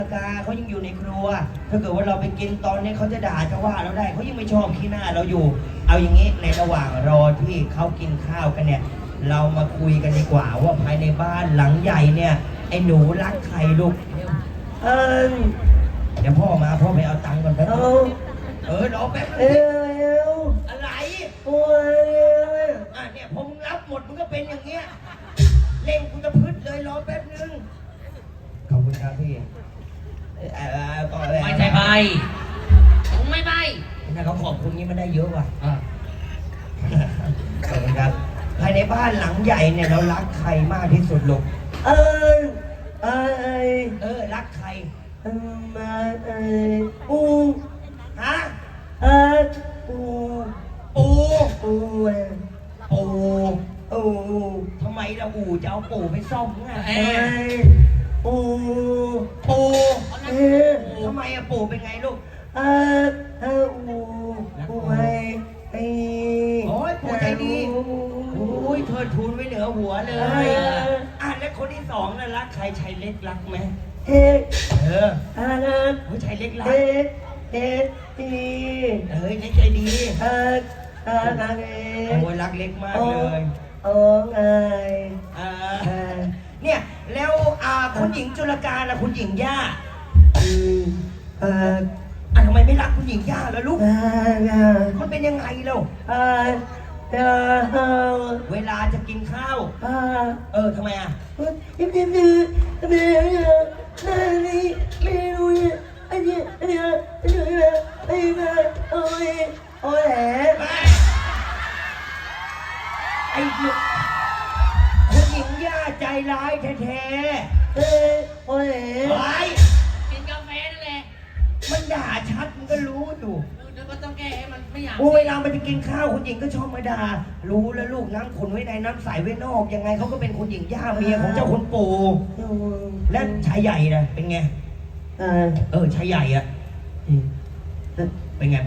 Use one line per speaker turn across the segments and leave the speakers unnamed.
กาเขายังอยู่ในครัวถ้าเกิดว่าเราไปกินตอนนี้เขาจะด่าจะว่าเราได้เขายังไม่ชอบขี้หน้าเราอยู่เอาอย่างนี้ในระหว่างรอที่เขากินข้าวกันเนี่ยเรามาคุยกันดีกว่าว่าภายในบ้านหลังใหญ่เนี่ยไอ้หนูรักใครลูกเออเดี๋ยวพ่อมาพ่อไปเอาตังค์ก่อนแป๊บนึงรอแป๊บนึงอะไรเนี่ยผมรับหมดมึงก็เป็นอย่างเงี้ยเล่งกูจะพึดเลยรอแป๊บนึงขอบคุณครับพี่
ไม่ใช่ใบผมไม่ใบ
นะเขาขอบคุณนี้มันได้เยอะว่ะขอบคุณครับภายในบ้านหลังใหญ่เนี่ยเรารักใครมากที่สุดลูกรักใครมาปูฮะปูทำไมเราจะเอาปู่ไปซ่อมไงปูทำไมปู่เป็นไงลูกโอ้ยปู่ใจดีโอ้ยเธอทูลไว้เหนือหัวเลยแล้วคนที่สองน่ะรักใครชายเล็กรักไหมโอ้ยชายเล็กรักเล็กใจดีโอ้ยรักเล็กมากเลยเนี่ยแล้วคุณหญิงจุลกาและคุณหญิงย่าทำไมไม่รักคุณหญิงย่าล่ะลูกมันเป็นยังไงเล่าเวลาจะกินข้าวทำไมไอ้คุณหญิงย่าใจร้ายแท้
กินกาแฟนั่นแหละ
มันด่าชัดมันก็รู้อยู่
เดี๋ยวก็ต้องแก้ให้มันไม่อยาก
เวลามันจะกินข้าวคุณหญิงก็ชอบมาด่ารู้แล้วลูกน้ำขุนไว้ในน้ำใสไว้นอกยังไงเขาก็เป็นคุณหญิงย่าเมียของเจ้าคุณปู่และชายใหญ่นะเป็นไงชายใหญ่อะเป็นไง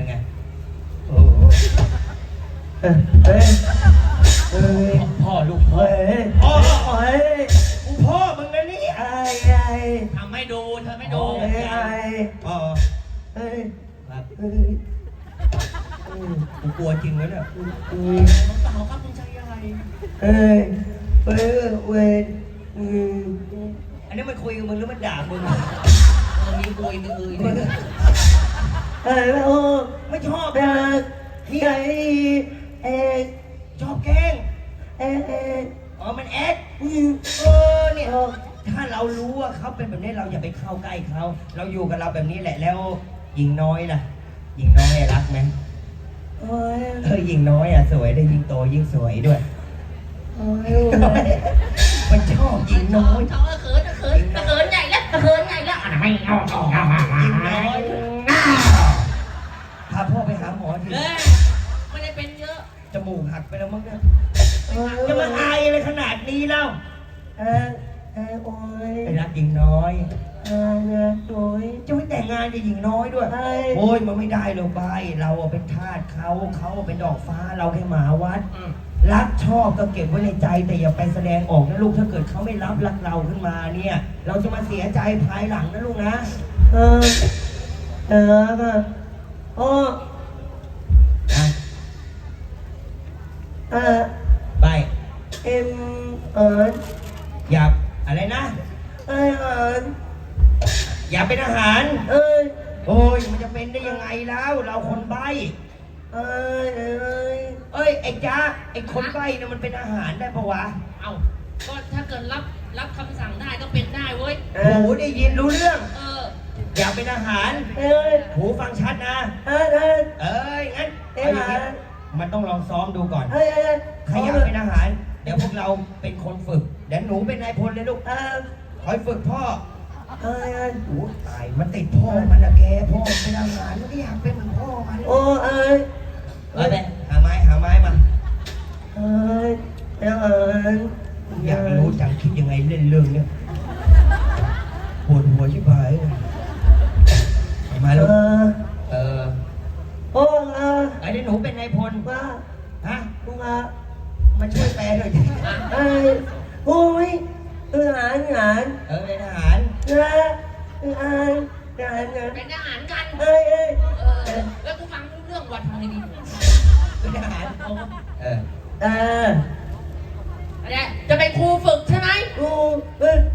พ่อลูกพ่อมึงนะนี่
ทำให้ดูเธอไม่ดู
กูกลัวจริงเลยเนี่ย
มันเปล่าครับคุณชายใหญ่
อันนี้มันคุยกับมึงหรือมันด่ามึง
มีคุยมี
ไม่ชอบนี่ชอบแกล้งมันแอคเนี่ยถ้าเรารู้ว่าเขาเป็นแบบนี้เราอย่าไปเข้าใกล้เขาเราอยู่กับเราแบบนี้แหละแล้วหญิงน้อยล่ะหญิงน้อยรักไหมหญิงน้อยสวยได้ยิ่งโตยิ่งสวยด้วยมันชอบหญิงน้อย
เขาเขินใหญ่แล้วไม่เอา
หญิงน้อยพาพ่อไปหาหมอที
ไม่ได้เป็นเยอะ
จมูกหักไปแล้วมั้งเนี่ยจะมาอายอะไรขนาดนี้เล่าไปรักหญิงน้อยจะไม่แต่งงานกับหญิงน้อยด้วยโอ้ยมันไม่ได้หรอกใบเราเป็นทาสเขาเป็นดอกฟ้าเราแค่หมาวัดรักชอบก็เก็บไว้ในใจแต่อย่าไปแสดงออกนะลูกถ้าเกิดเขาไม่รักเราขึ้นมาเนี่ยเราจะมาเสียใจภายหลังนะลูกนะไปอยากอะไรนะอยากเป็นอาหารโอ้ยมันจะเป็นได้ยังไงแล้วเราคนใบ้ไอ้จ้าไอ้คนใบ้เนี่ยมันเป็นอาหารได้ปะวะ
ก็ถ้าเกิดรับคำสั่งได้ก็เป็นได้เว้ย
หูได้ยินรู้เรื่องอยากเป็นอาหารหูฟังชัดนะงั้นมันต้องลองซ้อมดูก่อนใครอยากเป็นอาหารเดี๋ยวพวกเราเป็นคนฝึกเดี๋ยวหนูเป็นนายพลเลยลูกคอยฝึกพ่อตายมันติดพ่อมันนะแกพ่อเป็นอาหารมันก็อยากเป็นเหมือนพ่อมันไปหาไม้มาอยากรู้จังคิดยังไงเล่นเรื่องเนี้ยปวดหัวชิบหายมาลูกไอ้หนูเป็นนายพลฮะมาช่วยแปลหน่อยดิ
โอ้ยทหาร
เป็นทหาร
เป็นทหารกัน แล้วกูฟังรู้เรื่องวัดทำไงดี
เป็นทหารเออ
อะไรจะเป็นครูฝึกใช่ไหม
กู